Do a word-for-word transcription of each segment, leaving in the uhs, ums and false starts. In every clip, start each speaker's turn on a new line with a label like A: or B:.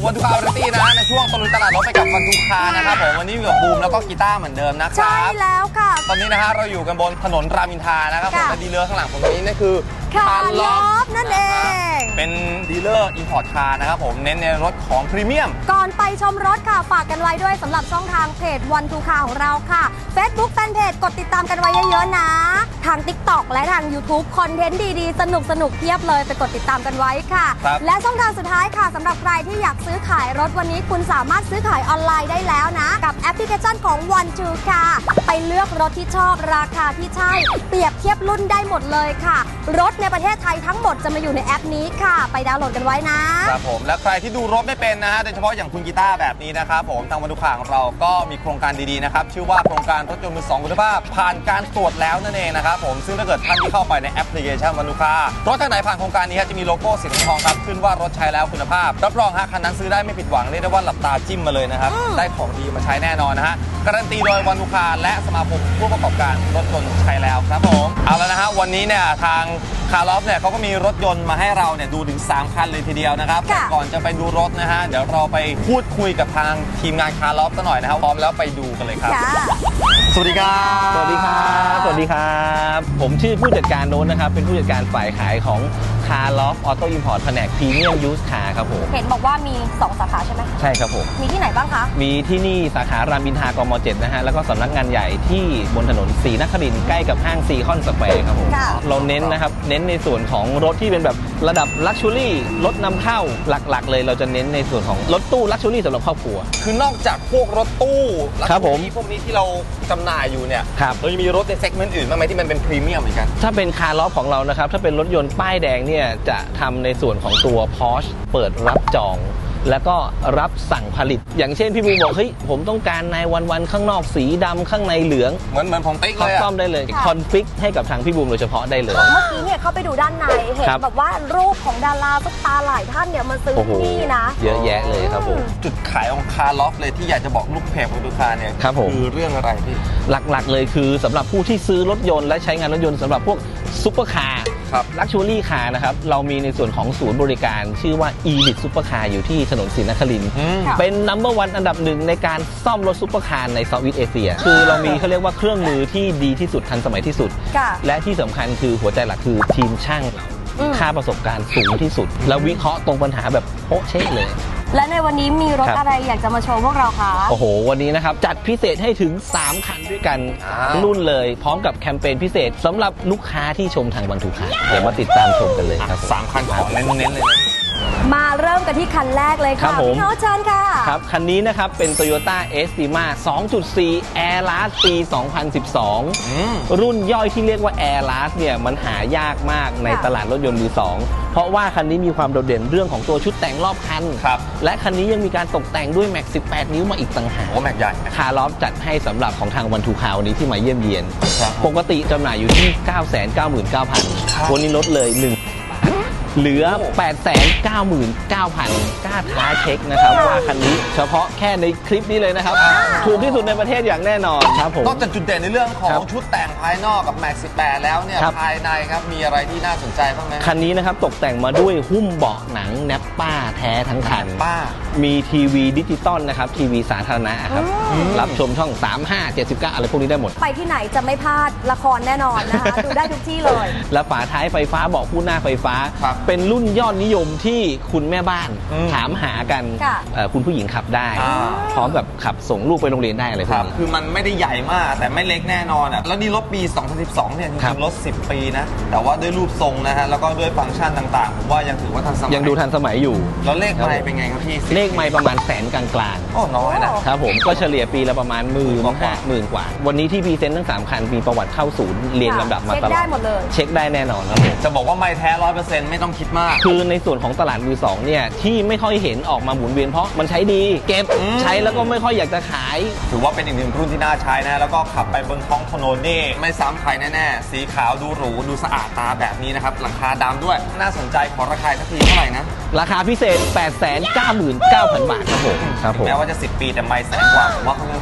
A: วันทูคาร์ตี้นะในช่วงตะลุยตลาดรถไปกับวันทูคาร์นะครับผมวันนี้อยู่กับบูมแล้วก็กีตาร์เหมือนเดิมนะครับ
B: ใช่แล้วค่ะ
A: ตอนนี้นะฮะเราอยู่กันบนถนนรามอินทรานะครับผมและดีลเลอร์ข้างหลังผมนี้นั่นคือ
B: คาร์ลอฟนั่นเอง
A: เป็นดีลเลอร์อินพอร์ตคาร์นะครับผมเน้นในรถของพรีเมียม
B: ก่อนไปชมรถค่ะฝากกันไว้ด้วยสำหรับช่องทางเพจวันทูคาร์ของเราค่ะ Facebook แฟนเพจกดติดตามกันไว้เยอะๆนะทาง TikTok และทาง YouTube คอนเทนต์ดีๆสนุกสนุกเพียบเลยไปกดติดตามกันไว้ค่ะและช่องทางสุดท้ายค่ะสำหรับใครที่อยากซื้อขายรถวันนี้คุณสามารถซื้อขายออนไลน์ได้แล้วนะกับแอปพลิเคชันของวันทูคาร์ไปเลือกรถที่ชอบราคาที่ใช่เปรียบเทียบรุ่นได้หมดเลยค่ะรถในประเทศไทยทั้งหมดจะมาอยู่ในแอปนี้ค่ะไปดาวน์โหลดกันไว้นะครับ
A: ผมและใครที่ดูรถไม่เป็นนะฮะโดยเฉพาะอย่างคุณกีตาร์แบบนี้นะครับผมทางวันทูคาร์ของเราก็มีโครงการดีๆนะครับชื่อว่าโครงการรถยนต์มือสองคุณภาพผ่านการตรวจแล้วนั่นเองนะครับผมซึ่งถ้าเกิดท่านที่เข้าไปในแอปพลิเคชันวันทูคาร์รถทางไหนผ่านโครงการนี้จะมีโลโก้สีทองครับขึ้นว่ารถใช้แล้วคุณภาพรับรองฮะคันนั้นซื้อได้ไม่ผิดหวังเรียกได้ว่าหลับตาจิ้มมาเลยนะครับได้ของดีมาใช้แน่นอนนะฮะการันตีโดยวันทูคาร์และสมาคมผู้ประกอบการรถยนต์ใช้แล้วครับผมเอาแล้วนะฮะวันนี้เนี่ยทางคาร์ลอฟเนี่ยเขาก็มีรถยนต์มาให้เราเนี่ยดูถึงสามคันเลยทีเดียวนะครับแต่ก่อนจะไปดูรถนะฮะเดี๋ยวเราไปพูดคุยกับทางทีมงานคาร์ลอฟซะหน่อยนะครับพร้อมแล้วไปดูกันเลยครับสวัสดีครับ
C: สวัสดีครับสวัสดีครับผมชื่อผู้จัดการโน้นนะครับเป็นผู้จัดการฝ่ายขายของคาร์ลอฟออโต้อิมพอร์ตแผนกพรีเมียมยูสคาร์ครับผม
B: เห็นบอกว่ามีสองสาขาใช่ไหม
C: ใช่ครับผม
B: มีที่ไหนบ้างคะ
C: มีที่นี่สาขารามอินทรากม.เจ็ดนะฮะแล้วก็สำนักงานใหญ่ที่บนถนนศรีนครินทร์ใกล้กับห้างซีคอนสแควร์ครับผมเราเน้นนะครับเน้นในส่วนของรถที่เป็นแบบระดับลักชัวรี่รถนำเข้าหลักๆเลยเราจะเน้นในส่วนของรถตู้ลักชัวรี่สำหรับครอบครัว
A: คือนอกจากพวกรถตู้
C: ครับผม
A: พวกนี้ที่เราจำหน่ายอยู่เนี่ยเราจะมีรถในเซกเมนต์อื่นบ้างไหมที่มันเป็นพรีเมียมเหมือนกัน
C: ถ้าเป็นคาร์ลอฟของเรานะครับถ้าเป็นรถยนต์ป้ายแดงเนี่ยจะทำในส่วนของตัว Porsche เปิดรับจองแล้วก็รับสั่งผลิตอย่างเช่นพี่บูบอกเฮ้ยผมต้องการในวันๆข้างนอกสีดำข้างในเหลือง
A: เหมือนเหมือนของติ๊กเลย
C: ซ่อมได้เลยคอนฟิกให้กับทางพี่บูมโดยเฉพาะได้เลย
B: เมื่อกี้เนี่ยเข้าไปดูด้านในเห็นแบบว่ารูปของดาราซุปตาหลายท่านเนี่ยมาซื้อที่นี่นะ
C: เยอะแยะเลยครับผม
A: จุดขายของคาร์ลอฟเลยที่อยากจะบอกลูกเพจของลูกค้าเนี่ยคือเรื่องอะไรพี่
C: หลักๆเลยคือสำหรับผู้ที่ซื้อรถยนต์และใช้งานรถยนต์สำหรับพวกซุปเปอร์คาร์ลักชัวรี่คาร์นะครับเรามีในส่วนของศูนย์บริการชื่อว่า Elite Supercar อยู่ที่ถนนศรีนครินทร์เป็น นัมเบอร์ วันอันดับหนึ่งในการซ่อมรถซุปเปอร์คาร์ในเซาท์อีสต์เอเชียคือเรามีเขาเรียกว่าเครื่องมือที่ดีที่สุดทันสมัยที่สุดและที่สำคัญคือหัวใจหลักคือทีมช่างเราค่าประสบการณ์สูงที่สุดแล้ววิเคราะห์ตรงปัญหาแบบโป๊ะเช๊ะเลย
B: และในวันนี้มีรถอะไรอยากจะมาโชว์พวกเราคะ
C: โอ้โหวันนี้นะครับจัดพิเศษให้ถึงสามคันด้วยกันรุ่นเลยพร้อมกับแคมเปญพิเศษสำหรับลูกค้าที่ชมทางวันทูคาร์เดี๋ยวมาติดตามชมกันเลยครับ
A: สามคันของเน้นๆเลย
B: มาเริ่มกันที่คันแรกเลยค่ะพี่โน้ตเชิญค่ะ
C: ครับคันนี้นะครับเป็น Toyota Estima สองจุดสี่ Airlast ปี สองพันสิบสอง รุ่นย่อยที่เรียกว่า Airlast เนี่ยมันหายากมากในตลาดรถยนต์มือสองเพราะว่าคันนี้มีความโดดเด่นเรื่องของตัวชุดแต่งรอบคันและคันนี้ยังมีการตกแต่งด้วยแม็กสิบแปดนิ้วมาอีกต่างหาก
A: โอ้แม็กใหญ่
C: คาร์ลอฟจัดให้สำหรับของทางวันทูคาร์วันนี้ที่มาเยี่ยมเยียนปกติจำหน่ายอยู่ที่ เก้าแสนเก้าหมื่นเก้าพัน วันนี้ลดเลยหนึ่งเหลือ แปดแสนเก้าหมื่นเก้าพัน กล้าท้าเช็คนะครับว่าคันนี้เฉพาะแค่ในคลิปนี้เลยนะครับถูกที่สุดในประเทศอย่างแน่นอนครับผม
A: นอกจากจุดเด่นในเรื่องของชุดแต่งภายนอกกับแม็กสิบแปดแล้วเนี่ยภายในครับมีอะไรที่น่าสนใจบ้างไหม
C: คันนี้นะครับตกแต่งมาด้วยหุ้มเบาะหนังแนปป้าแท้ทั้งคันมีทีวีดิจิตอลนะครับทีวีสาธารณะครับรับชมช่องสาม ห้า เจ็ดสิบเก้าอะไรพวกนี้ได้หมด
B: ไปที่ไหนจะไม่พลาดละครแน่นอนนะคะดูได้ทุกที่เลย
C: และฝาท้ายไฟฟ้าเบาะคู่หน้าไฟฟ้าเป็นรุ่นยอดนิยมที่คุณแม่บ้านถามหากันคุณผู้หญิงขับได้พร้อมแบบขับส่งลูกไปโรงเรียนได้อะไรพวกนี้
A: คือมันไม่ได้ใหญ่มากแต่ไม่เล็กแน่นอนอ่ะแล้วนี่รถปีสองพันสิบสองเนี่ยจริงๆรถสิบปีนะแต่ว่าด้วยรูปทรงนะฮะแล้วก็ด้วยฟังก์ชันต่างๆผมว่ายังถือว่าทันสมัย
C: ยังดูทันสมัยอยู่
A: แล้วเลขไมล์เป็นไงครับพี่
C: เลขไมล์ประมาณแสนกลาง
A: ๆโอ้น้อย
C: นะครับผมก็เฉลี่ยปีละประมาณหมื่นห้าหมื่นกว่าวันนี้ที่พรีเซนต์ทั้งสามคันมีประวัติเข้าศูนย์เรียงลำดับมาตลอดเช็คได้
B: หมดเลย
C: เช็คได้แน่นอนครับผม
A: จะบอกว่าไมล์แท้ร้อยเปอร์เซ็นต์ไม่ต้องคิดมาก
C: คือในส่วนของตลาดมือสองเนี่ยที่ไม่ค่อยเห็นออกมาหมุนเวียนเพราะมันใช้ดีเก็บใช้แล้วก็ไม่ค่อยอยากจะขาย
A: ถือว่าเป็นอีกหนึ่งรุ่นที่น่าใช้นะแล้วก็ขับไปบนท้องถนนนี่ไม่ซ้ำใครแน่ๆสีขาวดูหรูดูสะอาดตาแบบนี้นะครับหลังคาดำด้วยน่าสนใจขอราคาสักทีเท่าไหร่นะ
C: ราคาพิเศษ แปดแสนเก้าหมื่นเก้าพัน บาทครับผมครับผม
A: แม้ว่าจะสิบปีแต่ไม่แสนกว่าผมว่าเขายัง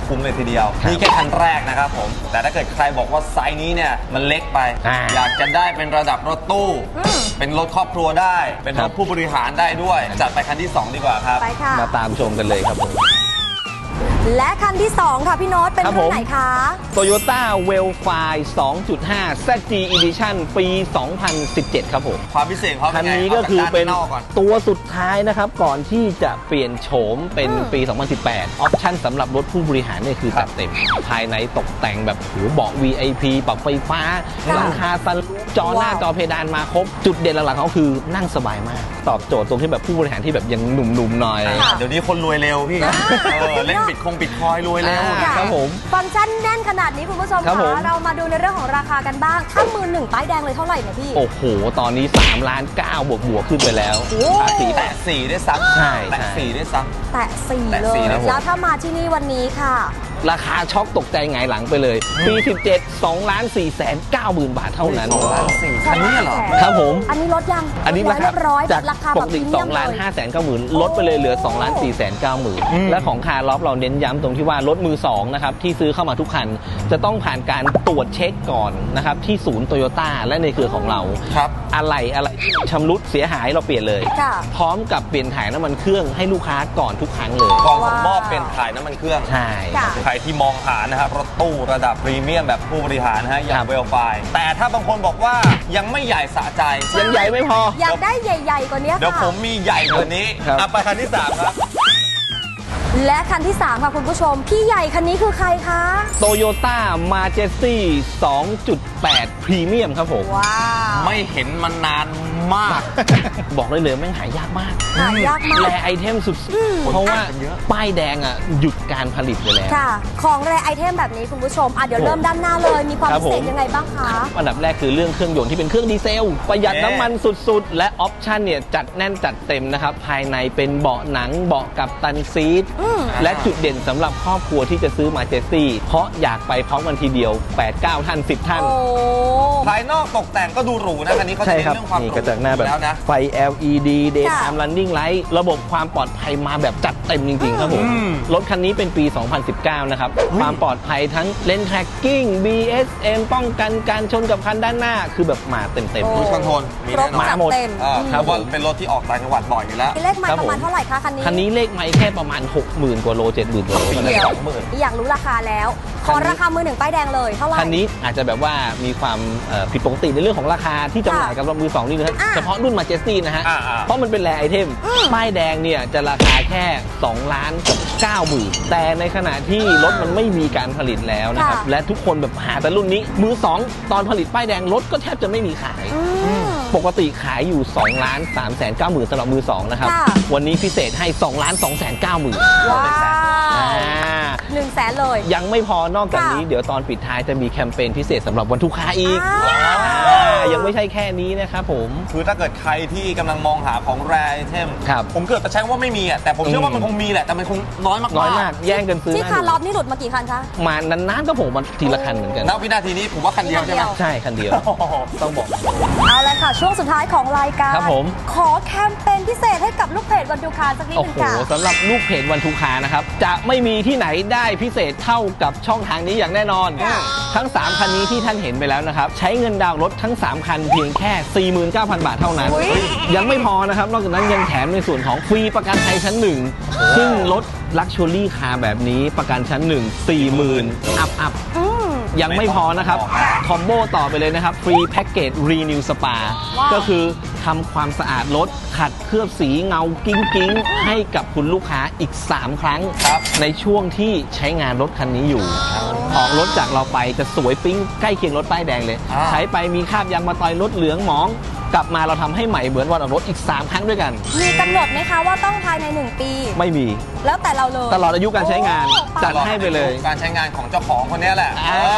A: คุ้มเลยทีเดียว
C: ครับ
A: นี่แค่คันแรกนะครับผมแต่ถ้าเกิดใครบอกว่าไซส์นี้เนี่ยมันเล็กไป
C: อ่า
A: อยากจะได้เป็นระดับรถตู้ เป็นรถครอบครัวได้ เป็น
C: ค
A: ร
C: รั
A: ถ
C: บ
A: ผู้บริหารได้ด้วยจัดไปคันที่สองดีกว่าครับ
B: ไปค่ะ
C: มาตามชมกันเลยครับผม
B: และคันที่สองค่ะพี่โน้ตเป็น
C: ครับ
B: รุ่
C: ผ
B: น
C: ม
B: ไหนคะ
C: Toyota Wellfire สองจุดห้า แซด จี Edition ปี สองพันสิบเจ็ด ครับผม
A: ความพิเศษของเขา
C: คั
A: เป็น นไง
C: นี้ก็คือเป็น
A: าจากด้านนอกก่อน
C: ตัวสุดท้ายนะครับ ก่อนที่จะเปลี่ยนโฉมเป็น
B: อืม
C: ปี สองพันสิบแปด ออปชั่นสำหรับรถผู้บริหารเนี่ยคือ
A: ครั
C: จั
A: บ
C: ดเต็ม ภายในตกแต่งแบบโหเบาะ วี ไอ พี ปรับไฟฟ้า
B: ค่ะ
C: หลังคาซันรูฟจอหน้า
B: ว้าว
C: จอเพดานมาครบ จุดเด่นหลักๆเขาคือนั่งสบายมาก ตอบโจทย์ตรงที่แบบผู้บริหารที่แบบยังหนุ่มๆหน่อย
B: ค่ะ
A: เดี๋ยวนี้คนรวยเร็วพี่
B: อ่า
A: เออเล่นบิตคงบิตคอยรวยเร็ว
C: อ่า
B: ค่ะ
C: ครับผม
B: ฟังก์ชันแน่นขนาดนี้คุณผู้ชม
C: ครับผม
B: คะเรามาดูในเรื่องของราคากันบ้าง ถ้ามือหนึ่งป้ายแดงเลยเท่าไหร่เนี่ยพี่
C: โอ้โห ตอนนี้3ล้านเก้าบวกบวกๆขึ้นไปแล้ว
B: โอ้
C: ภาษีแตะ
A: แตะสี่ได้วยซ้ำ
C: ใช่
A: แตะ
C: ใช่
A: สี่ได้วยซ้
B: แตะสี่
A: แตะ
B: เล
A: สี่
B: ย
A: ครับผม
B: แล้วถ้ามาที่นี่วันนี้ค่ะ
C: ราคาช็อกตกใจหงายหลังไปเลย ปี สิบเจ็ด สองล้านสี่แสนเก้าหมื่นบาทเท่านั้น
A: ำสองล้านสี่คันนี้เหรอ
C: ครับผม
B: อันนี้ลดยัง
C: อันนี้
B: ล
C: รา
B: ด
C: คา
B: เรียบร้อย
C: จาก
B: ราคา
C: ป
B: แบบ
C: กติ
B: พรีเมียม
C: สองล้าน
B: เลย
C: ห้าแสนเก้าหมื่นลดไปเลยเหลือ2ล้านสี่แสนเก้าหมื่น
A: อืม
C: และของคาร์ล็อฟเราเน้นย้ำตรงที่ว่ารถมือสองนะครับที่ซื้อเข้ามาทุกคัน จะต้องผ่านการตรวจเช็คก่อนนะครับที่ศูนย์โตโยต้าและในเครือของเรา
A: ครับ
C: อะไรอะไรชำรุดเสียหายเราเปลี่ยนเลย
B: ค่ะ
C: พร้อมกับเปลี่ยนถ่ายน้ำมันเครื่องให้ลูกค้าก่อนทุกครั้งเลย
A: กองส่งมอบ
B: ว้าว
A: เป็นถ่ายน้ำมันเครื่อง
C: ใช่
B: ค่ะ
A: ใครที่มองหานะครับรถตู้ระดับพรีเมียมแบบผู้บริหารนะฮะอย่า
C: ครั
A: ง
C: บ
A: เวลไฟแต่ถ้าบางคนบอกว่ายังไม่ใหญ่สะใจ
C: ยังใหญ่ไม่พอ
B: อยากได้ใหญ่ ๆ กว่านี้
A: เดี๋ยว
B: ค่ะ
A: ผมมีใหญ่กว่านี้
C: ครับ
A: อ่ะไปคันที่สามครับ
B: และคันที่สามค่ะคุณผู้ชม พี่ใหญ่คันนี้คือใครคะ
C: โตโยต้ามาเจสตี้ สองจุดแปด พรีเมียมครับผม
B: ว้าว
A: ไม่เห็นมานานมาก
C: บอกได้เลยแม่งหายากมาก
B: หายากมาก
C: แรไอเทมสุดๆเพราะว่าป้ายแดงอ่ะหยุดการผลิตไปแล้ว
B: ค่ะ ของแรไอเทมแบบนี้คุณผู้ชม อ่ะเดี๋ยวเริ่มด้านหน้าเลย มีความ
C: ครับ
B: พิเศษ
C: ผม
B: ยังไงบ้างคะ
C: อันดับแรกคือเรื่องเครื่องยนต์ที่เป็นเครื่องดีเซล ประหยัด
A: เอ๊ะ
C: น้ำมันสุดๆ และออปชั่นเนี่ยจัดแน่นจัดเต็มนะครับ ภายในเป็นเบาะหนังเบาะกับตันซีท
B: อืม
C: และจุดเด่นสำหรับครอบครัวที่จะซื้อมาเจสซี่เพราะอยากไปพร้อมกันทีเดียว แปด เก้า ท่าน สิบ ท่าน
B: โอ้
A: ภายนอกตกแต่งก็ดูหรูนะคันนี้เขาจะ
C: ใช่
A: เน้น
C: ครับ
A: เรื่องความห
C: นี่
A: รู
C: กระจังหน้าแบบ
A: แล้วนะ
C: ไฟ แอล อี ดี Daytime Running Light ระบบความปลอดภัยมาแบบจัดเต็มจริงๆครับผม
A: อืม
C: รถคันนี้เป็นปี สองพันสิบเก้า นะครับ ความปลอดภัยทั้งเลน tracking บี เอส เอ็ม ป้องกันการชนกับคันด้านหน้า คือแบบมาเต็ม
B: โอ้
C: ๆ
A: ครูซคอนโทรลมี
B: ครบ
A: แน่นอน
B: จัด
C: มาหมด
B: เต็ม
A: อ่า
B: อืม
A: เพราะว่าเป็นรถที่ออกต่างจังหวัดบ่อยอยู่แล้ว
B: เลขไม้
C: ครับ
B: ประมาณ
C: ผม
B: เท่าไหร่คะคันนี้
C: คันนี้เลขไมล์แค่ประมาณ หกหมื่น กว่าโล เจ็ดหมื่น กว่าโล
A: ปี
C: เท่า
A: ละ
C: นั้น
A: สองหมื่น
B: อยากรู้ราคาแล้ว ขอ
C: คันนี้
B: ราคามือหนึ่งป้ายแดงเลยเท่าไหร่
C: คันนี้อาจจะแบบว่ามีความเอ่อผิดปกติในเรื่องของราคาที่จำหน่ายกับรถมือสองนี่นะฮะ
B: อ่ะ
C: เฉพาะรุ่นมาเจสตี้นะฮะ
A: อ่าอ่า
C: เพราะมันเป็นแรไอเทม ป้ายแดงเนี่ยจะราคาแค่2ล้านกับ9หมื่นแต่ในขณะที่รถมันไม่มีการผลิตแล้วนะครับ
B: ค่ะ
C: และทุกคนแบบหาแต่รุ่นนี้ มือสองตอนผลิตป้ายแดงรถก็แทบจะไม่มีขาย
B: อืม
C: ปกติขายอยู่2ล้าน3แสน9หมื่นสำหรับมือสองนะครับ
B: ค่ะ
C: วันนี้พิเศษให้2ล้าน2แสน9หมื่น
B: ว้าว
C: อ่า
B: หนึ่งแสนเลย
C: ยังไม่พอนอกจากนี้
B: ค่ะ
C: เดี๋ยวตอนปิดท้ายจะมีแคมเปญพิเศษสำหรับวันทุกค้าอีก
B: อ้าว
C: อ่ายังไม่ใช่แค่นี้นะครับผม
A: คือถ้าเกิดใครที่กำลังมองหาของแรไอเทม
C: ครับ
A: ผมเกิดจะใช้ว่าไม่มีอ่ะแต่ผมเชื่อว่ามันคงมีแหละแต่มันคงน้อยมากๆ
C: น้อยมากแย่งกันซื้อ
B: ที่
C: หน้
B: คาร์
C: ดู
B: ล็อบนี่หลุดมากี่คันคะ
C: มานานๆก็ผมมาทีละคันเหมือนกัน
A: ณวินาทีนี้ผมว่าคันเดียวใช่ไหม
B: คันเดียว
C: ใช่คันเดียว
A: โอ้โห
C: ต้องบอก
B: เอาละค่ะ ช่วงสุดท้ายของรายการ
C: ครับผม
B: ขอแคมเปญพิเศษให้กับลูกเพจวันดูคาสักนิด
C: โอ้
B: หนึง
C: โห
B: ค่ะ
C: สำหรับลูกเพจวันทุกคานะครับ จะไม่มีที่ไหนได้พิเศษเท่ากับช่องทางนี้อย่างแน่นอน
B: ค่ะ
C: ทั้ง สาม คันนี้ที่ท่านเห็นไปแล้วนะครับ ใช้เงินดาวน์รถทั้ง สาม คันเพียงแค่ สี่หมื่นเก้าพัน บาทเท่านั้น
B: อุ๊ย
C: ยังไม่พอนะครับ นอกจากนั้นยังแถมในส่วนของฟรีประกันภัยชั้นหนึ่งซึ่งรถลักชัวรี่คาร์แบบนี้ประกันชั้นหนึ่ง สี่หมื่น อัพอัพ
B: อืม
C: ยังไม่พอนะครับ คอมโบต่อไปเลยนะครับ ฟรีแพ็กเกจรีนิวสปา
B: ว้าว
C: ก็คือทำความสะอาดรถ ขัดเคลือบสีเงากิ้งกิ้งๆให้กับคุณลูกค้าอีก สาม ครั้ง
A: ครับ
C: ในช่วงที่ใช้งานรถคันนี้อยู่ ออกรถจากเราไปจะสวยปิ๊งใกล้เคียงรถป้ายแดงเลย
A: อ่า
C: ใช้ไปมีคราบยางมาตอยรถเหลืองหมอง กลับมาเราทำให้ใหม่เหมือนวันออกรถอีก สาม ครั้งด้วยกัน
B: มีกำหนดไหมคะว่าต้องภายในหนึ่งปี
C: ไม่มี
B: แล้วแต่เราเลย
C: ตลอดอายุการใช้งาน
B: โอ้
C: จัดให้ไปเลย
A: การใช้งานของเจ้าของคนเนี้ยแหละ
C: อ่า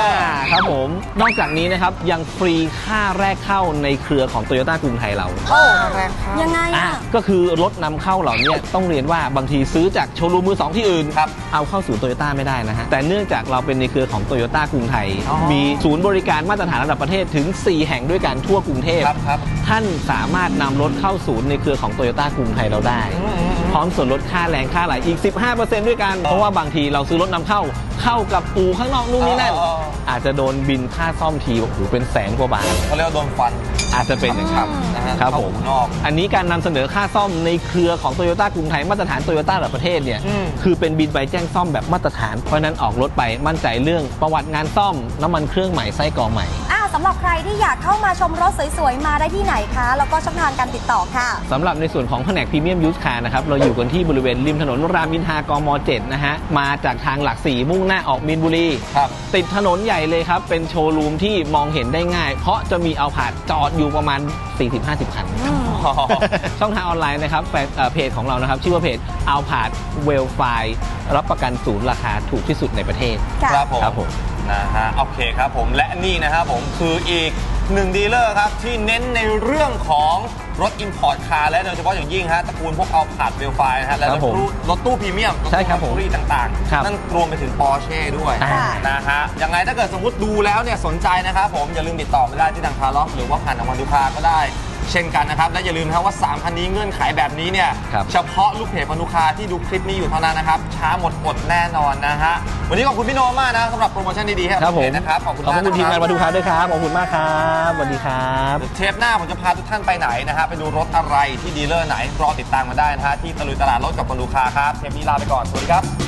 C: ครับผมนอกจากนี้นะครับยังฟรีค่าแรกเข้าในเครือของโตโยต้ากรุงไทยเรา
B: โอ้ยังไง
C: อ่ะ
B: อ่ะ
C: ก็คือรถนำเข้าเหล่านี้ต้องเรียนว่าบางทีซื้อจากโชว์รูมมือสองที่อื่น
A: ครับ
C: เอาเข้าสู่โตโยต้าไม่ได้นะฮะแต่เนื่องจากเราเป็นในเครือของโตโยต้ากรุงไทย
A: อ๋อ
C: มีศูนย์บริการมาตรฐานระดับประเทศถึงสี่แห่งด้วยกันทั่วกรุงเทพ
A: ครับครับ
C: ท่านสามารถนำรถเข้าศูนย์ในเครือของโตโยต้ากรุงไทยเราได้
A: อืมอืมอืม
C: พร้อมส่วนลดค่าแรงค่าไหลอีก สิบห้าเปอร์เซ็นต์ ด้วยกัน เพราะว่าบางทีเราซื้อรถนำเข้าเข้ากับอู่ข้างนอกนู่นนี่นั่น
A: อ๋อ
C: อาจจะโดนบินค่าซ่อมทีโอ้โหเป็นแสนกว่าบาท
A: เขาเรียกว่าโดนฟัน
C: อาจจะเป็นอย่างนั้น
A: นะฮะ
C: ครับผม
A: เข้าข้างนอก
C: อันนี้การนำเสนอค่าซ่อมในเครือของโตโยต้ากรุงไทยมาตรฐานโตโยต้าระดับประเทศเนี่ย
A: อืม
C: คือเป็นบินใบแจ้งซ่อมแบบมาตรฐาน เพราะฉะนั้นออกรถไปมั่นใจเรื่องประวัติงานซ่อม น้ำมันเครื่องใหม่ไส้กรองใหม่
B: อ่าสำหรับใครที่อยากเข้ามาชมรถสวยๆ มาได้ที่ไหนคะ แล้วก็ช่องทางการติดต่อค่ะ
C: สำหรับในส่วนของแผนกพรีเมียมยูสคาร์นะครับเราอยู่กันที่บริเวณริมถนนรามอินทรากมเจ็ดนะฮะมาจากทางหลักสี่มุ่งหน้าออกมีนบุรี
A: ครับ
C: ติดถนนใหญ่เลยครับเป็นโชว์รูมที่มองเห็นได้ง่าย เพราะจะมีเอาผาดจอดอยู่ประมาณ สี่สิบห้าสิบ คัน ช่องทางออนไลน์นะครับแฟนเอ่อเพจของเรานะครับชื่อว่าเพจเอาผาดเวลไฟรับประกันศูนย์ราคาถูกที่สุดในประเทศ
B: ค่ะ
A: ครับผม
C: ครับผม
A: นะฮะโอเคครับผมและนี่นะครับผมคืออีกหนึ่งดีลเลอร์ครับที่เน้นในเรื่องของรถ Import Car และโดยเฉพาะอย่างยิ่งฮะตระกูลพวกเอาผาดเวลไฟนะฮะและ
C: ค
A: ร
C: รั
A: ถ
C: บผม
A: ตู้รถตู้พรีเมียม
C: ใช่ครับผม
A: รถตู้ต่าง
C: ครับ
A: ๆ นั่นรวมไปถึง Porsche ด้วย
C: อ่า
A: นะฮะยังไงถ้าเกิดสมมติดูแล้วเนี่ยสนใจนะครับผมอย่าลืมติดต่อมาได้ที่ทางคาร์ล็อกหรือว่าผ่านทางวันดูคาก็ได้เช่นกันนะครับและอย่าลืมนะครับว่าสามคันนี้เงื่อนไขแบบนี้เนี่ย
C: ครับ
A: เฉพาะลูกเพจวันดูคาที่ดูคลิปนี้อยู่เท่านั้นนะครับช้าหมดอดแน่นอนนะฮะวันนี้ขอบคุณพี่โนมากนะสำหรับโปรโมชั่นดีๆให้กั
C: ครับผม
A: เพจนะครับขอบคุณ
C: ขอบ
A: มาก
C: คุณทีมงาน
A: นะ
C: มาดูคาร์ด้วยครับขอบคุณมากครับสวัสดีครับ
A: เทปหน้าผมจะพาทุกท่านไปไหนนะฮะไปดูรถอะไรที่ดีลเลอร์ไหนรอติดตามมาได้นะฮะที่ตะลุยตลาดรถกับวันดูคาครับเทปนี้ลาไปก่อนสวัสดีครับ